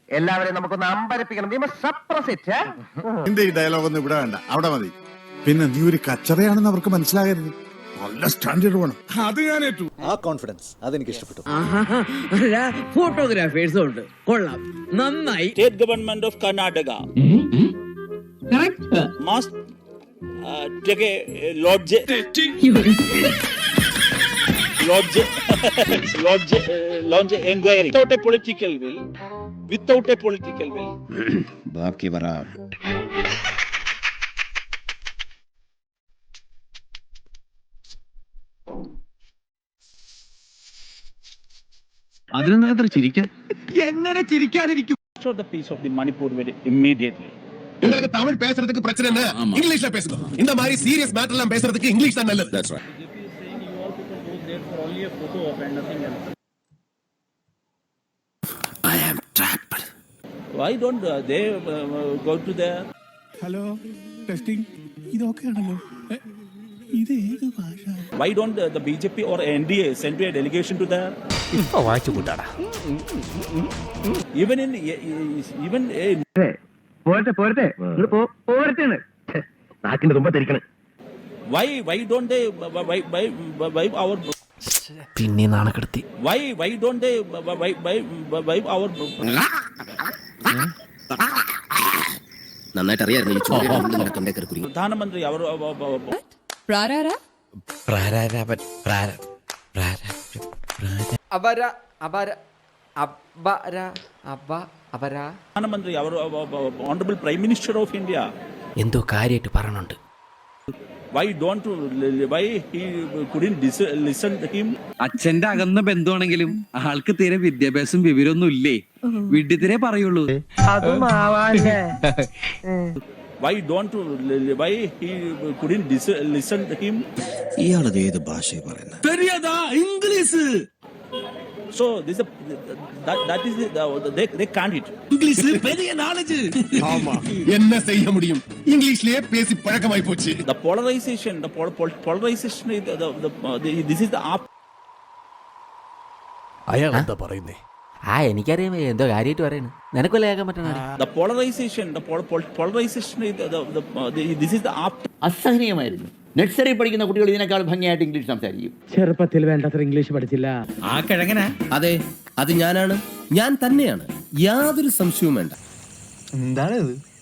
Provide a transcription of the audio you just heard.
എല്ലാവരെയും നമുക്കൊന്ന് അമ്പരപ്പിക്കണം. നിന്റെ ഈ ഡയലോഗ് ഒന്നും ഇവിടെ വേണ്ട, അവിടെ മതി. പിന്നെ നീ ഒരു കച്ചറയാണെന്ന് അവർക്ക് മനസ്സിലാകരുത്. നല്ല സ്റ്റാൻഡേർഡ് വേണം. അത് ഞാൻ ഏറ്റു. ആ കോൺഫിഡൻസ് അതെനിക്ക് ഇഷ്ടപ്പെട്ടു. ഫോട്ടോഗ്രാഫേഴ്സും ഉണ്ട്, കൊള്ളാം, നന്നായി. State government of Karnataka must take a lodge inquiry without a political will. ബാക്കി പറ. അതിനെന്താ അത്ര ചിരിക്കാൻ? എങ്ങനെ ചിരിക്കാതിരിക്കും? Restore the peace of the Manipur very immediately. உங்களுக்கு தமிழ் பேசுறதுக்கு பிரச்சனை என்ன? இங்கிலீஷ்ல பேசுங்க. இந்த மாதிரி சீரியஸ் மேட்டர் எல்லாம் பேசுறதுக்கு இங்கிலீஷ் தான் நல்லது. That's right. I am trapped. Why don't they go to their hello, testing. ഇതൊക്കെയാണല്ലോ. ഇത് ഏത് ഭാഷ? why don't the BJP or NDA send a delegation to their even നാക്കിന്റെ Thumba തിരിക്കണം. why don't they why our പിന്നെ നാണക്കെടുത്തി. why don't they why our നന്നായിട്ട് അറിയായിരുന്നു ഈ ചോദ്യം തൊണ്ടേ കയറി. പ്രധാനമന്ത്രി അവർ പ്രധാനമന്ത്രി അവർ honourable prime minister of India എന്തോ കാര്യമായിട്ട് പറഞ്ഞുണ്ട്. why he couldn't listen to him. അച്ഛന്റെ അകന്ന ബന്ധുവാണെങ്കിലും ആൾക്ക് തീരെ വിദ്യാഭ്യാസം വിവരമൊന്നും ഇല്ലേ, വീട്ടിൽ പറയുള്ളൂ. why he couldn't listen to him. ഇയാളത് ഏത് ഭാഷയെ പറയുന്നത്? English. So this is that is they can't it. English பெரிய நாலேஜ். ஆமா, என்ன செய்ய முடியும்? இங்கிலீஷ்லயே பேசி பழக்கமாய் போச்சு. The polarization this is the അയാൾ എന്താ പറയുന്നേ? എനിക്കറിയാം എന്തോ കാര്യമായിട്ട് പറയുന്നു. നിനക്കല്ലേ കേൾക്കാൻ പറ്റണ? the polarization this is the അസഹനീയമായിരുന്നു. നഴ്സറി പഠിക്കുന്ന കുട്ടികൾ ഇതിനേക്കാൾ ഭംഗിയായിട്ട് ഇംഗ്ലീഷ് സംസാരിക്കും. ചെറുപ്പത്തിൽ വേണ്ടത്ര ഇംഗ്ലീഷ് പഠിച്ചില്ല. ആ കിഴങ്ങനാ? അതെ, അത് ഞാനാണ്, ഞാൻ തന്നെയാണ്, യാതൊരു സംശയവും വേണ്ട. എന്താണ് ഇത്?